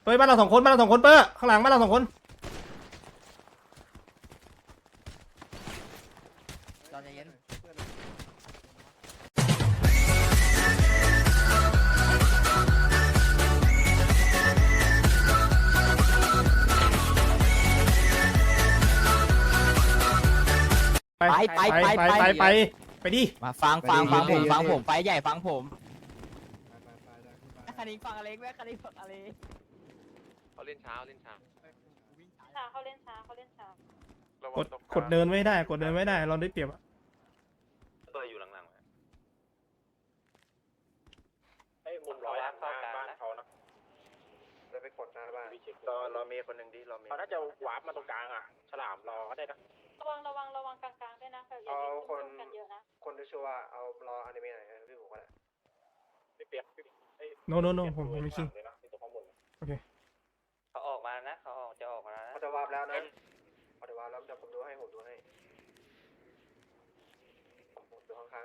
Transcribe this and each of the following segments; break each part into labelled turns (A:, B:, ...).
A: เฮ้ยบ้านเรา2 คนบ้านเรา2 คนเปอร์ข้างหลังบ้านเรา2 คน
B: เราใจเย็น
A: ไปดิ
B: มาฟังผมไฟใหญ่ฟังผมคันนี้ฟังอะไรแม่คันนี้ฟังอะไร
C: เขาเล่นช้า
D: เขาเล่นช้
A: กดเดินไม่ได้เราได้เปรียบอะ
C: ตัวอยู่หลังๆไอ้มุมร้อยบ้านเขานะเราไปกดหน้าบ้านรอเมย์คนหนึ่งดิรอเมย์เขาน่าจะวาร์ปมาตรงกลางอ่ะฉลามรอก็ได้นะ
D: ระวังกลางๆด้วยนะ
C: เอาคน
D: กันเยอะนะ
C: คนที่ชื่อว่าเอารออนิเมะหน่อยพี่ผมก็ได้ไม่เปียก
A: โนผมไม่คิงโอเค
B: เขาออกมานะเขาจะออกมา
C: เขาจะวาร์ปแล้วนะเขาจะวาร์ปแล้วจะผมดูให้ผมดูข้าง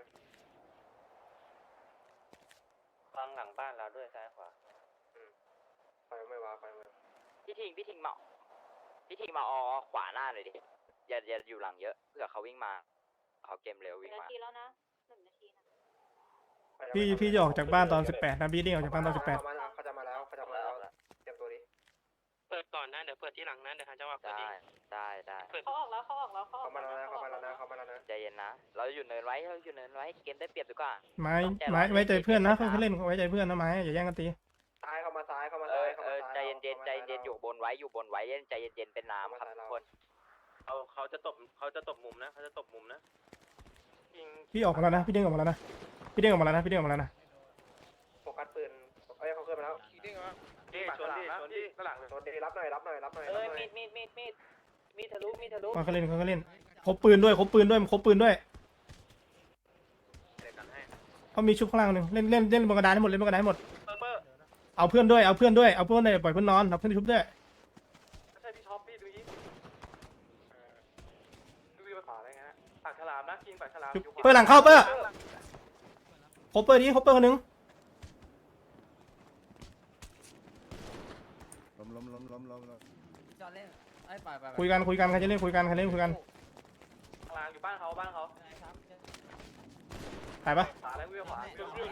B: ฟังหลังบ้านเราด้วยซ้ายขวา
C: ไฟไม่วาร์ป
B: พี่ทิงมาออขวาหน้าเลยดิอย่าอยู่หลังเยอะเผื่อเขาวิ่งมาเขาเกมเร็ววิ่งมา
D: 1 นาทีแล้วนะ1 นาทีนะ
A: พี่จะออกจากบ้านตอน18นะพี่เด้งออกจากบ้านตอน18
C: เขาจะมาแล้วเตรียมตัวดิ
E: เปิดก่อนนะเดี๋ยวเปิดที่หลังนะเดี๋ยวเขาจะว่า
B: ได้
D: เขาออกแล้วเขา
C: มาแล้วนะ
B: ใจเย็นนะเราอยู่เนินไว้เกมได้เปรียบดีกว่า
A: ไม้ไว้ใจเพื่อนนะเขาเล่นไว้ใจเพื่อนนะไม้อย่าแย่งกันตี
C: ซ้ายเข้ามา
B: ใจเย็นอยู่บนไว้เล่นใจเย็นเป็นน้ำครับทุกคน
C: เขาจะตบมุมนะ
A: พี่ออกมาแล้วนะพี่เด้งออกมาแล้วนะโ
C: ฟกัสปืนเขาขึ้นมาแล้วชนดิรับหน่อย
B: มีทะลุ
A: เขาเล่นครบปืนด้วยเขามีชุบข้างล่างนึงเล่นบนกระดานให้หมดเอาเพื่อนด้วยปล่อยเพื่อนนอนเอาเพื่อนชุบด้วย
C: ใช่พี่ท็อปพี่ดูยิงดูไปขวาอะไรเงี้ยปากฉลามนะกินปากฉลาม
A: เปิดหลังเข้าเปิดครบเปิดคนนึงคุยกันใครจะเล่นคุยกัน
C: กลางอยู่บ้านเขา
A: ถ่ายปะ
C: อะไรวิ่งขวา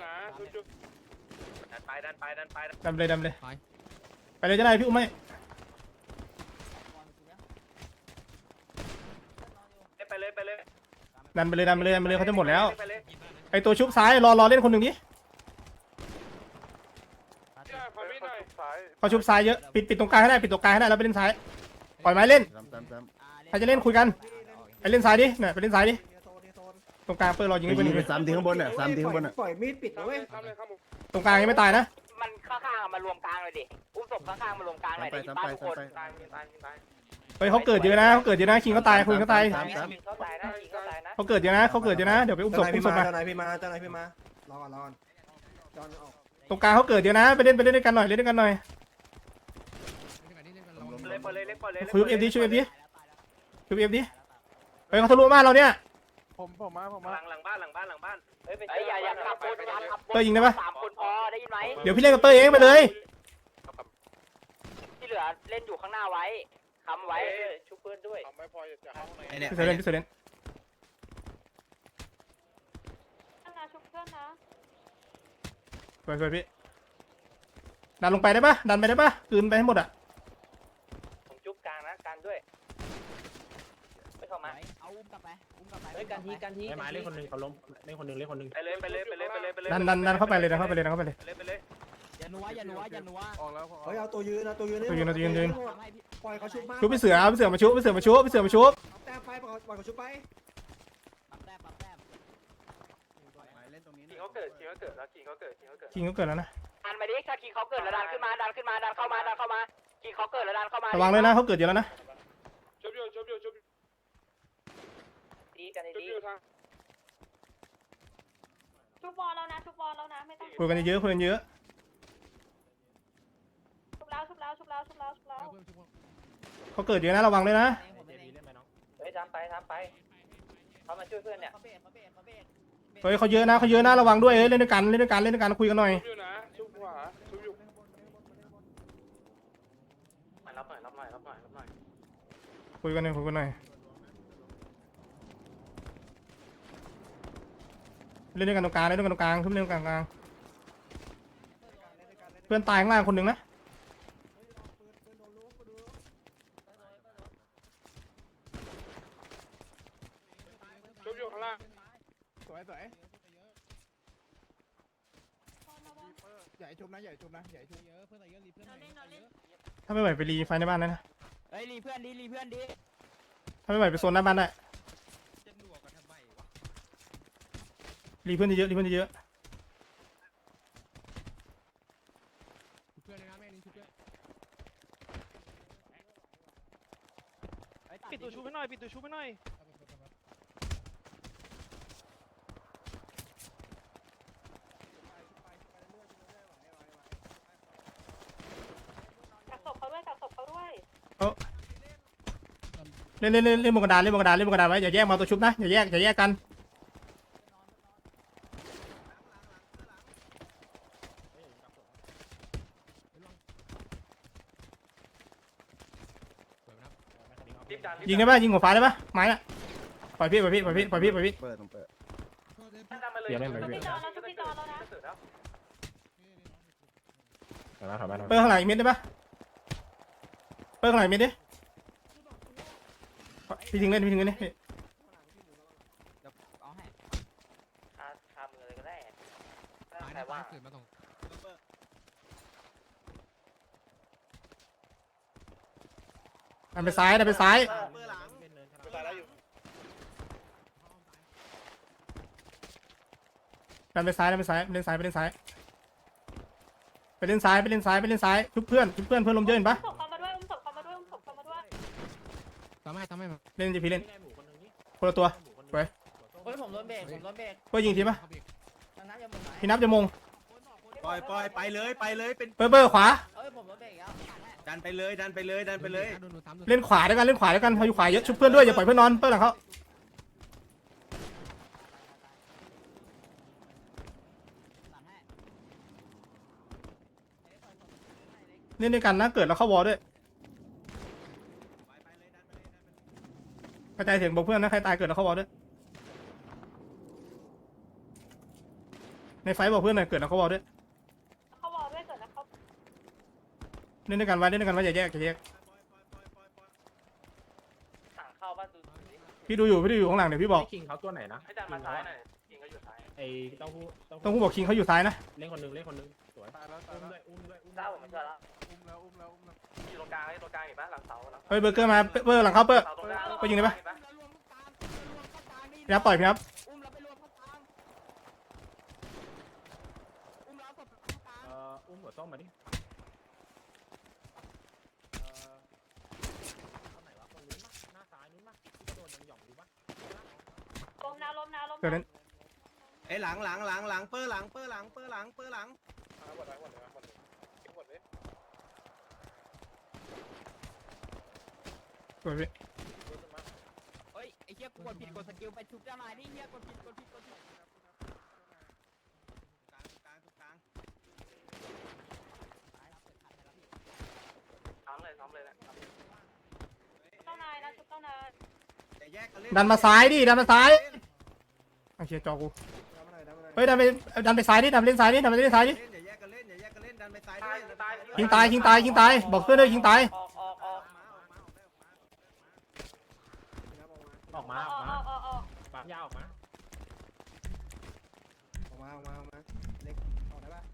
C: ดันไป
A: ดำเลยไปเลยจะได้พี่อุ้มไหม
C: ไปเลย
A: ดันไปเลยเขาจะหมดแล้วไอตัวชุบซ้ายรอเล่นคนหนึ่งดิเขาชุบซ้ายเยอะปิดตรงกลางให้ได้แล้วไปเล่นซ้ายปล่อยไม้เล่นใครจะเล่นคุยกันไปเล่นซ้ายดิเนี่ยไปเล่นซ้ายดิตรงกลางเปิดรอยิงไปนี่
F: 3 ทีข้างบนเนี่ย
C: ปล่อยมีดปิดนะเว้ย
A: ตรงกลางยังไม่ตายนะ
B: มันข้างๆมารวมกลางเลยดิอุ้มศพข้างๆมารวมกลางหน่อยดิบ้านทุกคน
C: ตาย
A: เฮ้ยเขาเกิดเยอะนะคิงเขาตายคุยเขาตายเขาเกิดเยอะนะเดี๋ยวไปอุ้มศพมา
C: เจ้านายพี่มารอก่อนจอนออก
A: ตรงกลางเขาเกิดเยอะนะไปเล่นด้วยกันหน่อยคุยเอฟดิเฮ้ยเขาทะลุบ้านเราเนี่ย
C: ผมมาหลังบ้าน
B: เฮ้ยอย่าขับคน
A: เตยยิงได้ปะ
B: 3 คนพอได้ยินไหม
A: เดี๋ยวพี่เล่นกับเตยเองไปเลย
B: ที่เหลือเล่นอยู่ข้างหน้าไว้ค้ำไว้ชุบเพื่อนด้วย
C: ไม่พอจะเข้าไหน
A: พี่เซเลน
D: ชุบเพื่อนนะ
A: สวยพี่ดันลงไปได้ปะคืนไปให้หมดอ่ะ
B: ผมจุ๊บกลางนะกันด้วยไม่เข้ามาเอาอุ้มกลับไปเฮ้ยกันที
E: ไม้เล่นคนนึงเขาล้มเล่นคนนึง
C: ไปเลย
A: ดันเข้าไปเลย
B: อย่านัว
C: ออกแล้วเฮ้ยเอาตัวยืน
A: ป
C: ล่อยเขาชุบมา
A: ชุบพี่เสือมาชุบ
C: แต้มไปปล่อยเขาชุบไปเขาเกิดแล้วกินเขาเกิด
A: แล้วนะ
B: ดันมาดิถ้ากินเขาเกิดแล้วดันเข้ามากินเขาเกิดแล้วดันเข้ามา
A: ระวังเลยนะเขาเกิดเยอะแล้วนะ
C: ชุบ
B: ดีกันดี
D: ชุบบอลแล้วนะไม่ต้อง
A: คุยกันเยอะ
D: ชุบแล้ว
A: เขาเกิดเยอะนะระวังเลยนะ
B: เฮ้ยทำไปเขามาช่วยเพื่อนเนี่ย
A: เฮ้ยเขาเยอะนะระวังด้วยเล่นด้วยกันคุยกันหน่อยคุยกันหน่อยคุยกันหน่อยเล่นด้วยกันตรงกลางเล่นด้วยกันตรงกลางทุบเล่นด้วยกันตรงกลางเพื่อนตายข้างล่างคนหนึ่งนะ
C: ชุบอยู่ข้างล่าง
F: สวยสวยใหญ่ชุบนะใหญ่ชุบนะใหญ่ชุบเยอะเพื่อนเยอะรีเพื่อน
D: เราเล่นเราเล่น
A: ถ้าไม่ไหวไปรีไฟในบ้านได้นะ
B: เฮ้ยรีเพื่อนดิ
A: ถ้าไม่ไหวไปโซนหน้าบ้านได้รีเพื่อนเยอะรีเพื่อนเยอะ
F: เพื่อนเลยนะแม่ลิงชุบเยอะ
E: ปิดตัวชูให้หน่อยปิดตัวชูให้หน่อย
D: กักศพเขาด้วยกักศพเขาด้วย
A: เล่นบนกระดานเล่นบนกระดานเล่นบนกระดานไว้อย่าแยกมาตัวชุบนะอย่าแยกกันยิงได้ปะยิงหัวฟ้าได้ปะไม้อะปล่อยพี่
G: เปิดต้องเปิด
E: เดี๋ยวเล่นไป
D: ชุบ
E: พี่
D: พี่จอนแล้วชุบพี่จอนแล้วนะ
E: ถอยมา
A: เปิดข้างหลังอีกเม็ดได้ปะเปิดข้างหลังอีกเม็ดดิพี่ทิ้งเล่นนี่
B: เอาให้คามือเลยก็ได้
F: ตายนะตายเกิดมาตรง
A: ดันไปซ้าย
C: เปิดหลัง
A: ดันไปซ้ายไปเล่นซ้ายไปเล่นซ้ายไปเล่นซ้ายชุบเพื่อนเพื่อนลมเยอะเห็นปะ
D: ศพเขามาด้วยอุ้มศพเขามาด้วยอุ้มศพเขามาด้วย
F: ทำให้มา
A: เล่นจีพีเล่นคนละตัวไป
B: เฮ้ยผมโดนเบรก
A: เปิดยิงทีปะ
B: ทางน้ำยังหมดไหม
A: พี่นับจะมง
G: ปล่อยไปเลยเป็น
A: เปิดขวา
B: เฮ้ยผมโดนเบรกแล้ว
G: ดันไปเลย
A: เล่นขวาด้วยกันเขาอยู่ขวาเยอะชุบเพื่อนด้วยอย่าปล่อยเพื่อนนอนเปิดหลังเขาเล่นด้วยกันนะเกิดแล้วเข้าวอลด้วยกระจายเสียงบอกเพื่อนนะใครตายเกิดแล้วเข้าวอลด้วยในไฟบอกเพื่อนหน่อยเกิดแล้วเข้าวอลด้วย
D: เขาวอลด้วยเกิดแล้วเขา
A: เล่นด้วยกันไว้อย่าแยก
B: สั่งเข้าบ้านดู
A: พี่ดูอยู่ข้างหลังเดี๋ยวพี่บอก
E: คิงเขาตัวไหนนะ
C: ให้ดันมาซ้ายหน่อยยิงก็อยู่ซ้าย
E: ไอ้เต้าหู้
A: ต้องผู้บอกคิงเขาอยู่ซ้ายนะ
E: เล่นคนนึงสวยอุ้มด้วย
B: เจ้าผมมาช่วยแล้ว
C: อยู่ตรงกลางตรงกลางอีกปะหลังเสาหลัง
A: เฮ้ยเบอร์เกอร์มาเบอร์หลังเขาเปิด
C: เสาตรงกลาง
A: ไปยิงได้ปะ พี่นับปล่อยพี่นับ
B: อุ้มแล้วไปรวมเข้ากลางอุ้มแล้วศพเข้ากลาง
E: อุ้มหัวส้มมาดิไหนวะตรงนู้นปะหน้าซ้ายนู้นปะโดนยังหย่องดูปะ
D: ล้มนะล้มนะ
A: เกิดเล่น
G: ไอ้หลังเปิดหลัง
C: หมดเลยหมดเลย
A: สวยพี่
B: เฮ้ยไอ้เหี้ยกดผิดกดสกิลไปชุบเจ้านายนี่เหี้ยกดผิด
G: กลาง
C: ซ้ำเลยนะ
D: เจ้านายนะชุบเจ้านาย
G: อย่าแยกกันเล่น
A: ดันมาซ้ายโอเคจอกูเฮ้ยดันไปซ้ายดิดันไปเล่นซ้ายดิ
G: อย่าแยกกันเล่นดันไปซ้ายด้วย
A: ยิงตายบอกเพื่อนด้วยยิงตาย
B: ออก
E: ออกมา
D: ออก
E: ปากยาวออกมา
F: ออกมาเล็กออกได้ปะ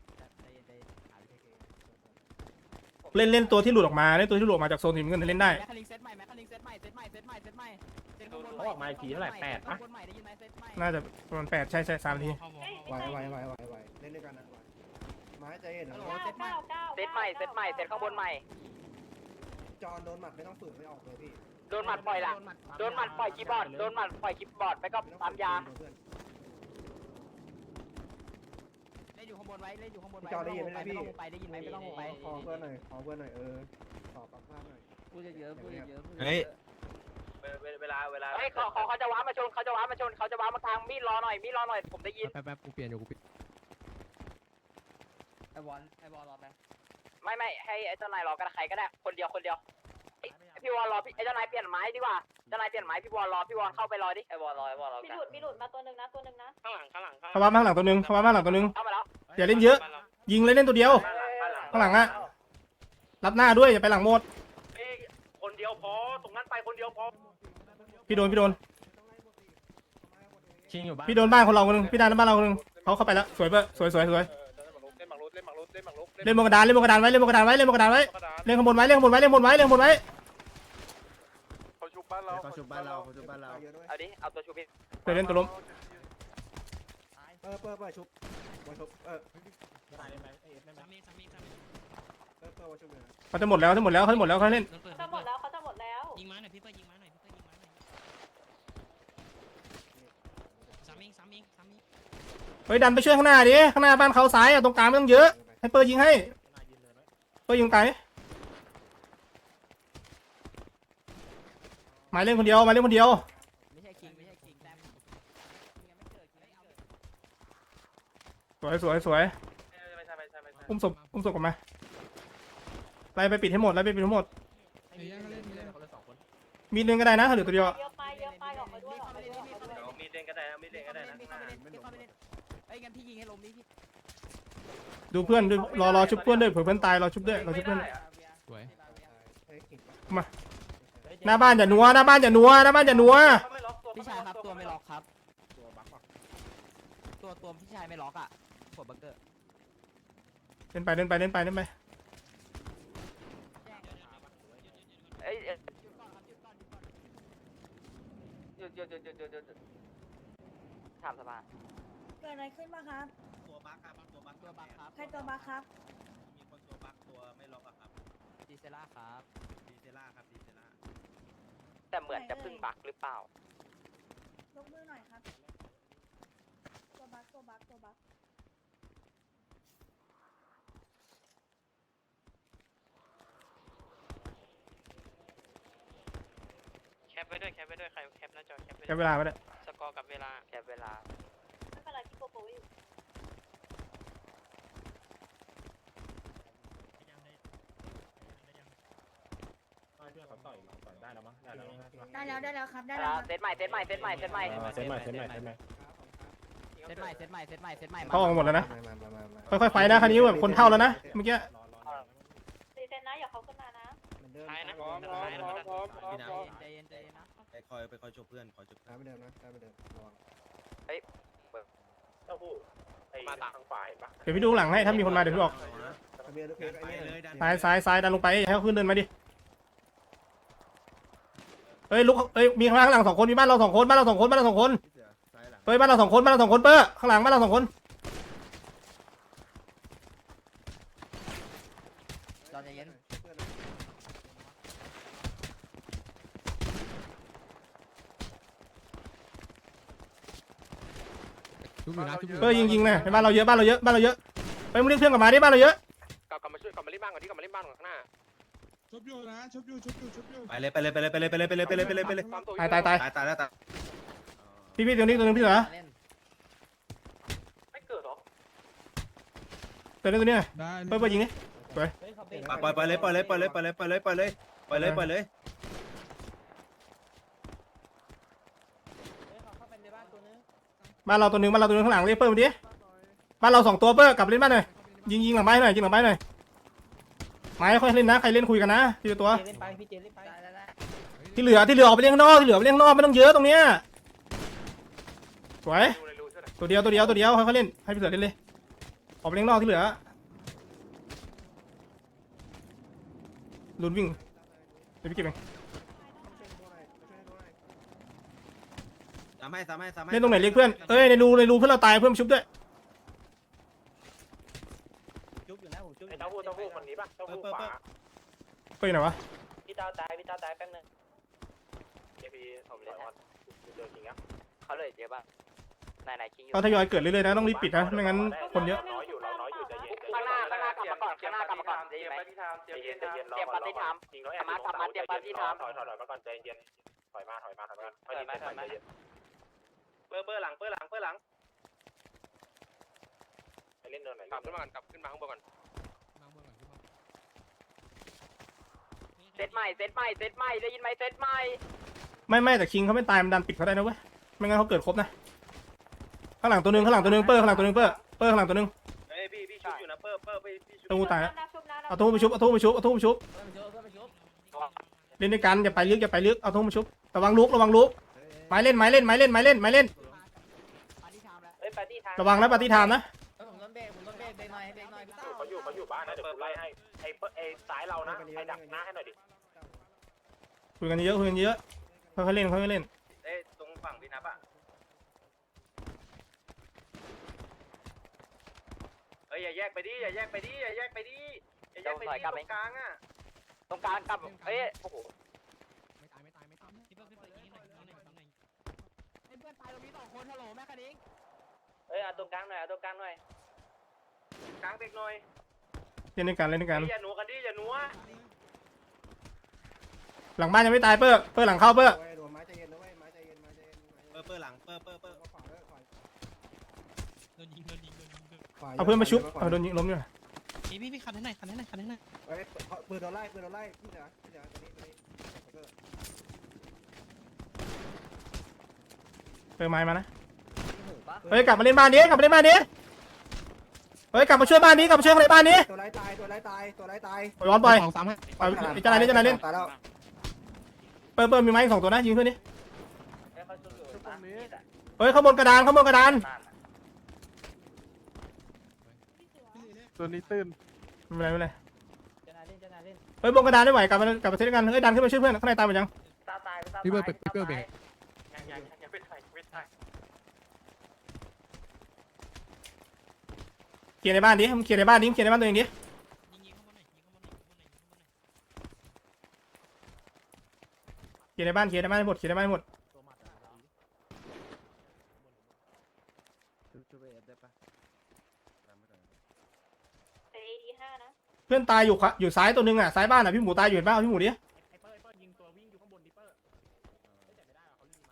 A: เล่นตัวที่หลุดออกมาจากโซนทีมเงินเล่นได้
B: แมคคาลิงเซตใหม่เซตใหม่
E: เขาออกมาอีกทีเท่าไหร่8 ปะ
B: คนใหม่ได้ยินไหมเซตใหม่
A: น่าจะประมาณ8ใช่3 ที
F: ไหวเล่นด้วยกันนะไม้ใจเย็น
B: เซตใหม่เซตข้างบนใหม่
F: จอนโดนหมัดไม่ต้องฝืนไม่ออกเลยพี่
B: โดนหมัดปล่อยคีย์บอร์ดไปก็ปั๊มยาเล่นอยู่ข้างบนไว้
F: จอนได้ยินไหมพี่
B: ไม่ต้องลงไปได้ยินไหมไม่ต้องลงไป
F: ขอเพื่อนหน่อยตอบปากภาพหน่อย
B: พูดเยอะ
G: เฮ้ย
C: เวลา
B: เฮ้ยเขาจะว้ามาชนเขาจะว้ามาทางมีดรอหน่อยผมได้ยิน
F: แป๊บกูเปลี่ยนอยู่กูปิด
B: ไอบอลรอไปไม่ให้ไอ้เจ้านายรอกันใครก็ได้คนเดียวพี่วอลรอพี่เจ้านายเปลี่ยนไม้ดีกว่าเจ้านายเปลี่ยนไม้พี่วอลรอพี่วอลเข้าไปรอดิไอ้วอลรอกัน
D: มีหลุดมาตัวหนึ่งนะตัวหนึ่งนะ
C: ข้างหลังข้างหลัง
A: เข้ามาข้างหลังตัวนึงเข้ามาข้างหลังตัวนึง
B: เข้ามาแล้ว
A: อย่าเล่นเยอะ ยิงเลยเล่นตัวเดียว ข้างหลังอะรับหน้าด้วยอย่าไปหลังหมด
C: คนเดียวพอตรงนั้นไปคนเดียวพอ
A: พี่โดน
E: ชิงอยู่บ้าน
A: พี่โดนบ้านคนเราคนนึงพี่ดันบ้านเราคนนึงเขาเข้าไปแล้วสวยเปะสวย
C: เล่นหมากรุกเล่นหมากรุกเล่นหมากรุก
A: เล่นบนกระดานเล่นบนกระดานไว้เล่นบนกระดานไว้เล่นบนกระดานไว้เล่นข้างบนไว้เล่นข้างบนไว้เล่นข้างบนไว้เล่นข้างบนไว้
C: เขาชุบบ้านเรา
G: เขาชุบบ้านเราเขาชุบบ้านเรา
F: เยอะด้วย
B: เอาดิเอาตัวชูพี่
A: เดี๋ยวเล่นตัวล้ม
F: เปิดชุบ
E: ได้ไหมเอฟได้ไหม
F: เปิดชุบเลยนะ
A: เขาจะหมดแล้วเขาเล่น
D: เขาหมดแล้วเขาจะหมดแล้ว
H: ยิงมาหน่อยพี่เปิ้ลยิงมาหน่อยพี่เปิ้ลยิงมาหน่อยสามเอง
A: เฮ้ยดันไปช่วยข้างหน้าดิข้างหน้าบ้านเขาซ้ายอะตรงกลางไม่ต้องเยอะให้เปิดยิงให้เปิดยิงไกลหมายเล่นคนเดียว
H: ไม่ใช่คิงแต้มยังไม่เกิดคิง
A: สวยอุ้มศพกลับมาไล่ไปปิดให้หมด
E: คนละสองคน
A: มีหนึ่งก็ได้นะถ้าเหลือตัวเดียว
D: เยอะไปออกมาด้วย
C: มีเล่นก็ได้นะมีเล่นก็ได้นะ
H: เอ้ยงั้นพี่ยิงให้ล้มดิพี่
A: ดูเพื่อนดูรอชุบเพื่อนด้วยเผื่อเพื่อนตายรอชุบด้วยรอชุบเพื่อน
H: สวย
A: หน้าบ้านอย่านัวหน้าบ้านอย่านัว
H: พี่ชายครับตัวไม่ล็อกครับตัวพี่ชายไม่ล็อกอ่ะหัวบังเกอร์
A: เล่นไป
B: เอ้ยหยุดถามสภา
D: เกิดอะไรขึ้นบ้างครับ
G: ตัวบั๊กครับตัวบั๊ก
H: ตัวบักครับ
D: ใครตัวบัคครับ
G: มีคนตัวบั๊กตัวไม่ล็อกอะครับ
H: ดีเซล่าครับ
G: ดีเซล่าครับดีเซล่า
B: แต่เหมือนจะพึ่งบักหรือเปล่าย
D: กมือหน่อยครับตัวบัค
C: แคปไว้ด้วยใครแคปหน้าจอแคปไว้
A: แค่เวลาไปเลย
C: สกอร์กับเวลา
B: แค่เวลา
D: ไม่เป็นไรพี่โกโก้อยู่
E: เพื่อนเขาต่อยได้แล้วมั้งได้แล้ว
D: ได้แล้วครับ
B: เซตใหม่
E: เซตใหม่
H: เซตใหม่
A: เขาออกหมดแล้วนะค่อยๆไฟนะคันนี้แบบคนเท่าแล้วนะเมื่อกี้
D: รีเซ็ตนะอย่าเขาขึ้นมานะ
C: ท้ายนะ
G: พี่น้
H: ใจเย็นนะ
G: ำไปคอยชบเพื่อนคอยชบ
F: ตามไปเดิมนะตามไปเดิมระวัง
C: เต้าหู้มาทางฝ่ายปะ
A: เดี๋ยวพี่ดูหลังให้ถ้ามีคนมาเดี๋ยวพี่บอก
F: ทะเบียนรถเพ
G: ดั
F: ช
G: น
F: ร
G: ไป
F: ไอ้นี่
G: เลยดัน
A: ซ้ายดันลงไปให้เขาขึ้นเดินมาดิเฮ้ยลุกเฮ้ยมีข้างหลัง2 คนมีบ้านเรา2 คนเฮ้ยบ้านเรา2 คนเปิ้ลข้างหลังบ้านเรา2 คน
H: เราใจเย็น
A: เฮ้ยยิงนะในบ้านเราเยอะไปมึงเรียกเพื่อนกลับมาดิบ้านเราเยอะ
C: กลับมาช่วยกลับมาเล่นบ้านก่อนที่กลับมาเล่นบ้านก่อนข้างหน้า
F: ชุบอยู่นะชุบอยู่
G: ไปเลย
C: ความตัว
A: ตาย
G: ตายแล้วตาย
A: พี่ตัวนี้ตัวนึงพี่เหรอ
H: เล่น
C: ไม่เกิดหรอ
A: ตัวนี้เปิ้ลยิงดิ
H: เฮ้ยเขาเป็น
G: ปล่อยเลย
H: เขาเป็นในบ้านตัวนึง
A: บ้านเราตัวนึงข้างหลังเรียกเปิ้ลมาดิบ้านเรา2 ตัวเปิ้ลกลับเล่นบ้านหน่อยยิงหลังไม้หน่อยไม้ค่อยเล่นนะใครเล่นคุยกันนะทีละตัว
H: เล่นไปพี่เจเล่นไป
A: ที่เหลือออกไปเลี้ยงข้างนอกไม่ต้องเยอะตรงเนี้ยสวยตัวเดียวค่อยๆเล่นให้พี่เสือเล่นเลยออกไปเลี้ยงนอกที่เหลือลุนวิ่งเดี๋ยวพี่เก็บเอง
G: สามให้
A: เล่นตรงไหนเรียกเพื่อนในรูเพื่อนเราตายเพื่อนชุบด้วย
H: จุ๊บอยู่นะผมจุ๊บ
C: ไอ้เต้าหู้คนนี้ปะเต้าหู้ขวา
A: เปิ้ลไหนวะ
B: พี่เต้าตายแป๊บนึง
C: เจพีผมเลยว่าเจอจริงอ่ะ
B: เขาเลยเยอะป่ะนายคิงอยู่
A: เขาทยอยเกิดเรื่อยๆนะต้องรีบปิดนะไม่งั้นคนเยอะ
C: น้อยอยู่ใจเย็น
B: ข้างหน้ากลับมาก่อนได้ไหม
C: ใจเย็นยิงน้อยถอยมาก่อนใจเย็นถอยมาเบอร์หลังไปเล่นเนินไหนกลับขึ้นมาข้างบนก่อน
H: ใ
B: เซตใหม่ได้ยินไหมเซตใหม่
A: ไม่แต่คิงเขาไม่ตายมันดันปิดเขาได้นะเว้ยไม่งั้นเขาเกิดครบนะข้างหลังตัวหนึงเปอร์ข้างหลังตัวหนึงเปอร์ข้างหลังตัวหนึง
G: เฮ้ยพี่ชุบอยู่นะเปิ้ลพี่ชุบ
A: ตู้ตายแล้ว
D: ชุบนะ
A: เอาตู้ไปชุบเอาตู้ไปชุบ
H: เพื่อนไปชุบ
A: เล่นด้วยกันอย่าไปลึกเอาตู้มาชุบระวังลุกไม้เล่น
H: ปาร์ตี้ไทม์แล้ว
B: เฮ้ยปาร์ตี้ทาง
A: ระวังนะปฏิทามนะ
H: ผมต้นเบรกเบรกหน่อยพี่เต้า
C: เขาอยู่บ้านนะเดี๋ยวกูไล่ให้ไอ้สายเรานะไอ้ดักหน้าให้หน่อยดิ
A: คุยกันเยอะค่อยๆเล่น
G: เอ้ยตรงฝั่งพี่นับอ่ะเฮ้ยอย่าแยกไปดิตรงกลางอ่ะ
B: ตรงกลางกลับเฮ้ยโอ้โห
H: ไม่ตายพี่เพื่อนตายตรงนี้2 คนฮัลโหลแม่คันนิ้ง
B: เฮ้ยเอาตรงกลางหน่อย
G: กลางเด็กหน่อย
A: เล่นด้วยกัน
G: อย่าหนัวกันดิอย่าหนัว
A: หลังบ้านยังไม่ตายเปอร์หลังเข้าเปอร์
F: โดนไม้ใจเย็นนะเว้ยไม้ใจเย็น
G: เปิ้ลหลังเปิ้ล
F: ขวาเลยขวา
A: เอาเพื่อนมาชุบเอาโดนยิงล้มอยู่
H: พี่คันให้หน่อย
F: เฮ้ยปืนโดนไล่พี่เหนือตัวนี้
A: เปอร์ไม้มานะเฮ้ยกลับมาเล่นบ้านนี้เฮ้ยกลับมาช่วยบ้านนี้คนในบ้านนี้
F: ตัวไล่ตาย
A: ปล่อยบอลปล่อย
H: 2-3ให้
A: ปล่อยเจ้านายเล่น
F: ตายแล้ว
A: เปอร์มีไม้อีก2ตัวนะยิงเพื่อนดิ
B: เฮ้ยเขาชุบอยู่ตรงนี้
A: เฮ้ยข้างบนกระดาน
F: ตัวนี้ตื้น
A: ไม่เป็นไร
H: เจ้านายเล่น
A: เฮ้ยบนกระดานไม่ไหวกลับมาเซตกันเฮ้ยดันขึ้นมาช่วยเพื่อนข้างในตายหมดยัง
B: ตาตาย
F: พี่เบิร์ดเบรก
B: ยังไม่ตาย
A: เคลียร์ในบ้านดิมึงเคลียร์ในบ้านตัวเองดิเคลียร์ในบ้านให้หมด
D: เอดี5นะ
A: เพื่อนตายอยู่ซ้ายตัวนึงอ่ะซ้ายบ้านอ่ะพี่หมูตายอยู่เห็นป่าวพี่หมูดิ
E: ไอ้เปิ้ลยิงตัววิ่งอยู่ข้างบนดิเปิ้ลไม่แต่ไม่ได้เขาลืมมา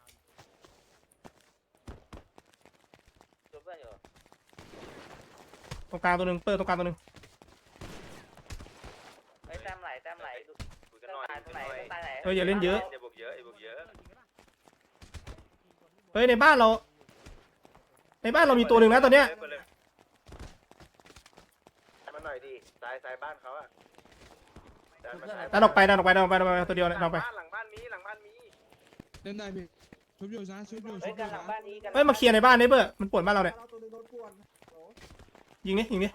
B: ชุบเพื่อนอยู่
A: ตรงกลางตัวนึงเปิดตรงกลางตัวนึง
B: เฮ้ยแต้มไหล
G: คุยกันหน่อย
B: ตายไหน
A: เฮ้ยอย่าเล่นเยอะ
G: อย่าบุกเยอะ
A: เฮ้ยในบ้านเรามีตัวหนึ่งนะตอนเนี้ย
C: มาหน่อยดิสายบ้านเขาอ่ะ
A: ดันออกไปตัวเดียวดันออกไป
G: หลังบ้านมี
F: เล่นได้พี่ชุบอยู่นะชุบอยู่
B: เฮ้ยกันหลังบ้านนี้กัน
A: เฮ้ยมาเคลียร์ในบ้านนี่เปิดมันปวดบ้านเราเนี่ย
F: ตัวนึงโดนป่วน
A: ยิงดิ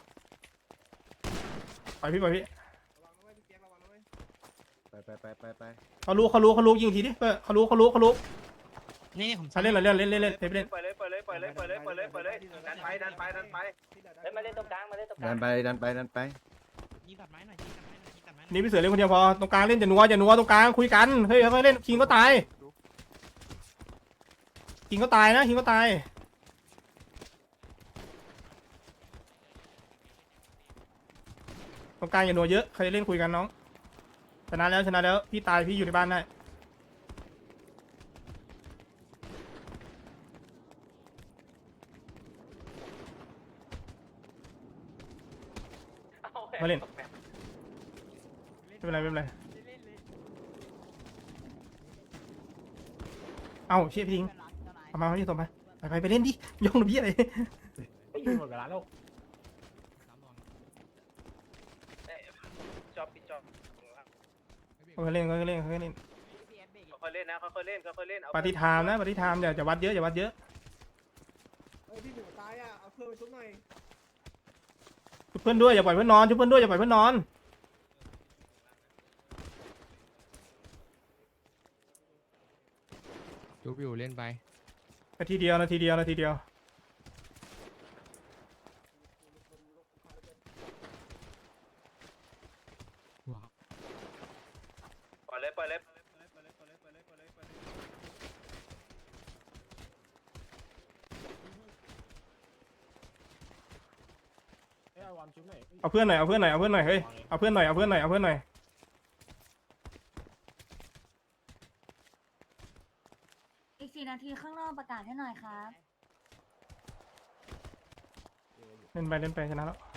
A: ปล่อยพี่
F: ระวังนะเว้ยพี่เปียกระวังนะเว้ย
C: ไป
A: เขารู้ยิงทีดิเปิดเขารู้
H: นี่ผม
A: เล่นเล่น
G: เปิดเลยดันไป
B: เฮ้ยมาเล่นตรงกลาง
C: ดันไป
H: ยิงตัดไม้หน่อย
A: นี่พี่เสือเล่นคนเดียวพอตรงกลางเล่นอย่านัวตรงกลางคุยกันเฮ้ยเขาเล่นคิงก็ตายนะคิงก็ตายตรงกลางอย่านัวเยอะใครเล่นคุยกันน้องชนะแล้วพี่ตายพี่อยู่ในบ้านได้มาเล่นไม่เป็นไรเอ้าเชี่ยพี่ทิ้งเอามาที่ส่งไปเล่นดิย่องหรือพี่อะไร
E: ไม่ยิงหมดเวลาแล้ว
G: จอบปิดจอบ
A: เขาเล่น
G: ค่อยเล่นนะค่อยเล่นเอา
A: ปฏิทามนะปฏิทามอย่าวัดเยอะ
F: เฮ้ยพี่หมูตายอ่ะเอาเพื่อนไปชุบหน่อย
A: ชุบเพื่อนด้วยอย่าปล่อยเพื่อนนอนชุบเพื่อนด้วยอย่าปล่อยเพื่อนนอน
F: ชุบอยู่เล่นไป
A: นาทีเดียว
G: ปล่อยเลย
E: เอาวอมชุบหน่อย
A: เอาเพื่อนหน่อยเฮ้ยเอาเพื่อนหน่อย
D: อีก4 นาทีข้างนอกประกาศให้หน่อยครับ
A: เล่นไปชนะแล้ว